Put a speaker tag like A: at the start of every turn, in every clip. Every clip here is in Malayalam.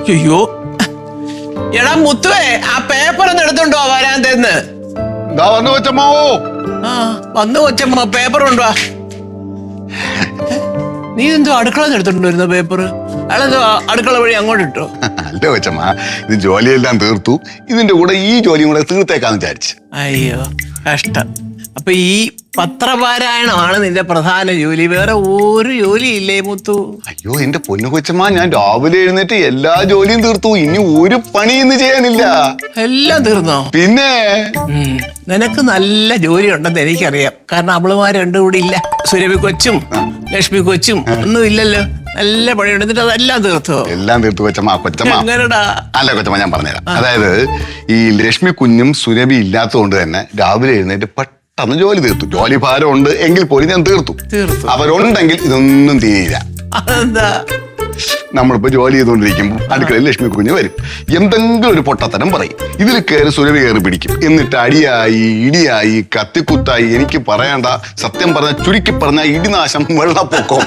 A: അയ്യോ എടാ മുത്തുവേ, ആ പേപ്പർ ഒന്ന് എടുത്തോണ്ടോ വരാന്തെന്ന്.
B: കൊച്ചമ്മാവോ.
A: ആ വന്നു കൊച്ചമ്മ, പേപ്പർ കൊണ്ടുവാ. നീ എന്തോ അടുക്കള എടുത്തോണ്ട് വരുന്ന പേപ്പർ? അയാളെന്തോ അടുക്കള വഴി അങ്ങോട്ട് ഇട്ടോ?
B: അല്ല കൊച്ചമ്മ, ഇത് ജോലിയെല്ലാം തീർത്തു, ഇതിന്റെ കൂടെ ഈ ജോലിയും കൂടെ തീർത്തേക്കാന്ന് വിചാരിച്ചു.
A: അയ്യോ കഷ്ടം. അപ്പൊ ഈ പത്രപാരായണമാണ് നിന്റെ പ്രധാന ജോലി, വേറെ ഒരു ജോലി ഇല്ലേ മുത്തു?
B: അയ്യോ എന്റെ പൊന്നു കൊച്ചമ്മ, ഞാൻ രാവിലെ എഴുന്നേറ്റ് എല്ലാ ജോലിയും തീർത്തു, ഇനി ഒരു പണി ഇന്ന് ചെയ്യാനില്ല.
A: എല്ലാം തീർന്നോ?
B: പിന്നെ
A: നിനക്ക് നല്ല ജോലി ഉണ്ടെന്ന് എനിക്കറിയാം. കാരണം അവളുമാർ രണ്ടും കൂടി ഇല്ല, സുരഭി കൊച്ചും ലക്ഷ്മി കൊച്ചും ഒന്നും ഇല്ലല്ലോ. നല്ല പണിയുണ്ട്, എന്നിട്ട് അതെല്ലാം തീർത്തോ?
B: എല്ലാം തീർത്തു കൊച്ചമ്മ. കൊച്ചമ്മ
A: എങ്ങനെടാ?
B: അല്ല കൊച്ചമ്മ, ഞാൻ പറഞ്ഞുതരാം. അതായത് ഈ ലക്ഷ്മി കുഞ്ഞും സുരഭി ഇല്ലാത്തത് കൊണ്ട് തന്നെ രാവിലെ എഴുന്നേറ്റ് പെട്ടെന്ന് ജോലി തീർത്തു. ജോലി ഭാരം ഉണ്ട് എങ്കിൽ പോലും ഞാൻ തീർത്തു. അവരുണ്ടെങ്കിൽ ഇതൊന്നും തീരില്ല.
A: അതെന്താ?
B: നമ്മളിപ്പോ ജോലി ചെയ്തുകൊണ്ടിരിക്കുമ്പോൾ അടുക്കളയിൽ ലക്ഷ്മി കുഞ്ഞ് വരും, എന്തെങ്കിലും ഒരു പൊട്ടത്തരം പറയും. ഇതിൽ കയറി സുരഭി കയറി പിടിക്കും. എന്നിട്ട് അടിയായി ഇടിയായി കത്തിക്കുത്തായി, എനിക്ക് പറയണ്ട, സത്യം പറഞ്ഞ ചുരുക്കി പറഞ്ഞ ഇടിനാശം, വെള്ളപ്പൊക്കം.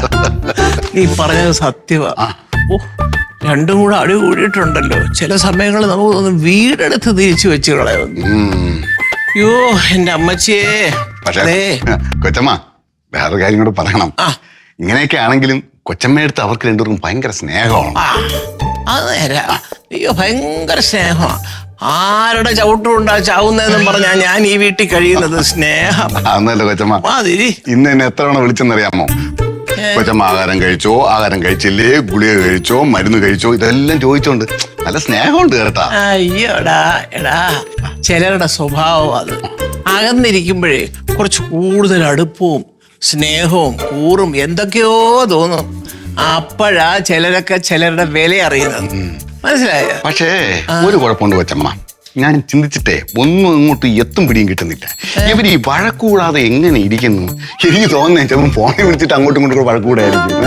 A: നീ പറഞ്ഞത് സത്യമാ. രണ്ടും കൂടെ അടി കൂടിയിട്ടുണ്ടല്ലോ. ചില സമയങ്ങളിൽ നമുക്ക് തോന്നും വീടെടുത്ത് തിരിച്ചു വെച്ച് കളയുന്നു. അയ്യോ എന്റെ അമ്മച്ചിയെ.
B: പക്ഷേ കൊച്ചമ്മ, വേറൊരു കാര്യം കൂടെ പറയണം. ഇങ്ങനെയൊക്കെ ആണെങ്കിലും കൊച്ചമ്മയെടുത്ത് അവർക്ക് രണ്ടുപേർക്കും ഭയങ്കര സ്നേഹമാണ്.
A: അത് നേരാ. അയ്യോ ഭയങ്കര സ്നേഹമാണ്. ആരുടെ ചവിട്ടുണ്ടാ ചാവുന്നതെന്നും പറഞ്ഞാ ഞാൻ ഈ വീട്ടിൽ കഴിയുന്നത്. സ്നേഹം
B: അന്നല്ല കൊച്ചമ്മ, ഇന്ന് എന്നെ എത്ര തവണ വിളിച്ചെന്നറിയാമോ? കൊച്ചമ്മ ആഹാരം കഴിച്ചോ, ആഹാരം കഴിച്ചില്ലേ, ഗുളിക കഴിച്ചോ, മരുന്ന് കഴിച്ചോ, ഇതെല്ലാം ചോദിച്ചോണ്ട് നല്ല സ്നേഹമുണ്ട് കേട്ടാ.
A: അയ്യോടാ എടാ, ചിലരുടെ സ്വഭാവം അത്. അകന്നിരിക്കുമ്പോഴേ കുറച്ച് കൂടുതൽ അടുപ്പവും സ്നേഹവും കൂറും എന്തൊക്കെയോ തോന്നും. അപ്പോഴാ ചിലരൊക്കെ ചിലരുടെ വില അറിയുന്നത്. മനസ്സിലായോ?
B: പക്ഷേ ഒരു കുഴപ്പമുണ്ട് കൊച്ചമ്മ, ഞാൻ ചിന്തിച്ചിട്ടേ ഒന്നും ഇങ്ങോട്ട് എത്തും പിടിയും കിട്ടുന്നില്ല. ഇവർ ഈ വഴക്കൂടാതെ എങ്ങനെ ഇരിക്കുന്നു? എനിക്ക് തോന്നുന്നേ ചിലപ്പോൾ ഫോണിൽ വിളിച്ചിട്ട് അങ്ങോട്ടും ഇങ്ങോട്ടും വഴക്കൂടായിരിക്കും.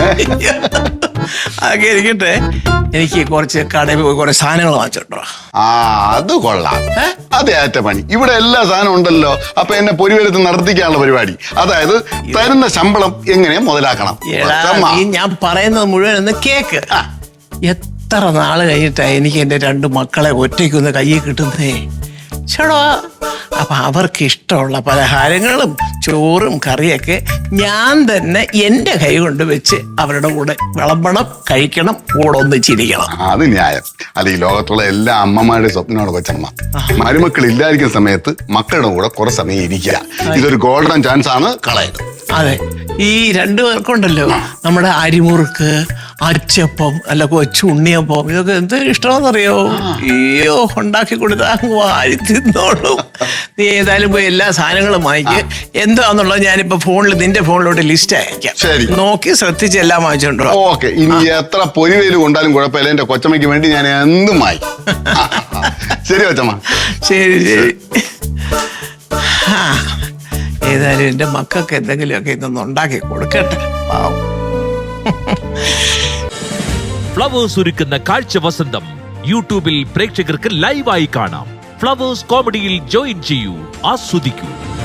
A: അതൊക്കെ ഇരിക്കട്ടെ, എനിക്ക് കുറച്ച് കടയിൽ പോയി കുറെ സാധനങ്ങൾ വാങ്ങിച്ചോട്ടോ.
B: അത് കൊള്ളാം. അതെ ഏറ്റ പണി. ഇവിടെ എല്ലാ സാധനവും ഉണ്ടല്ലോ. അപ്പൊ എന്നെ പൊരിവരത്ത് നടത്തിക്കാനുള്ള പരിപാടി. അതായത് തരുന്ന ശമ്പളം എങ്ങനെ മുതലാക്കണം.
A: ഞാൻ പറയുന്നത് മുഴുവൻ ഒന്ന് കേക്ക്. എത്ര നാള് കഴിഞ്ഞിട്ടാ എനിക്ക് എന്റെ 2 മക്കളെ ഒറ്റയ്ക്കൊന്ന് കയ്യിൽ കിട്ടുന്നേ. ചേടാ, അപ്പൊ അവർക്ക് ഇഷ്ടമുള്ള പലഹാരങ്ങളും ചോറും കറിയൊക്കെ ഞാൻ തന്നെ എന്റെ കൈ കൊണ്ട് വെച്ച് അവരുടെ കൂടെ വിളമ്പണം, കഴിക്കണം, കൂടെ ഒന്ന് ചിരിക്കണം.
B: അത് ന്യായം. അല്ല, ഈ ലോകത്തുള്ള എല്ലാ അമ്മമാരുടെ സ്വപ്നമാണ് കൊച്ചമ്മ. മരുമക്കൾ ഇല്ലായിരിക്കുന്ന സമയത്ത് മക്കളുടെ കൂടെ കുറെ സമയം ഇരിക്കുക. ഇതൊരു ഗോൾഡൻ ചാൻസ് ആണ്, കളയരുത്.
A: അതെ, ഈ 2 പേർക്കുണ്ടല്ലോ നമ്മുടെ അരിമുറുക്ക്, അച്ചപ്പം, അല്ല കൊച്ചു ഉണ്ണിയപ്പം, ഇതൊക്കെ എന്ത് ഇഷ്ടമാണെന്നറിയോ? അയ്യോ, ഉണ്ടാക്കി കൊടുത്താൽ വാരി തിന്നോളൂ. നീ ഏതായാലും പോയി എല്ലാ സാധനങ്ങളും വാങ്ങിക്കുക. എന്താന്നുള്ളത് ഞാനിപ്പോ നിന്റെ ഫോണിലോട്ട് ലിസ്റ്റ് അയക്കാം. നോക്കി ശ്രദ്ധിച്ച് എല്ലാം വാങ്ങിച്ചോണ്ടോ.
B: ഓക്കെ, ഇനി എത്ര പൊരിവേല് കൊണ്ടാലും കുഴപ്പമില്ല, എന്റെ കൊച്ചമ്മയ്ക്ക് വേണ്ടി ഞാൻ എന്തും വാങ്ങിക്കും. ശരി കൊച്ചമ്മ.
A: ശരി ശരി. ഏതായാലും എന്റെ മക്കൾക്ക് എന്തെങ്കിലുമൊക്കെ ഇതൊന്നും ഉണ്ടാക്കി കൊടുക്കട്ടെ.
C: ഫ്ലവേഴ്സ് ഒരുക്കുന്ന കാഴ്ച വസന്തം യൂട്യൂബിൽ പ്രേക്ഷകർക്ക് ലൈവായി കാണാം. ഫ്ലവേഴ്സ് കോമഡിയിൽ ജോയിൻ ചെയ്യൂ, ആസ്വദിക്കൂ.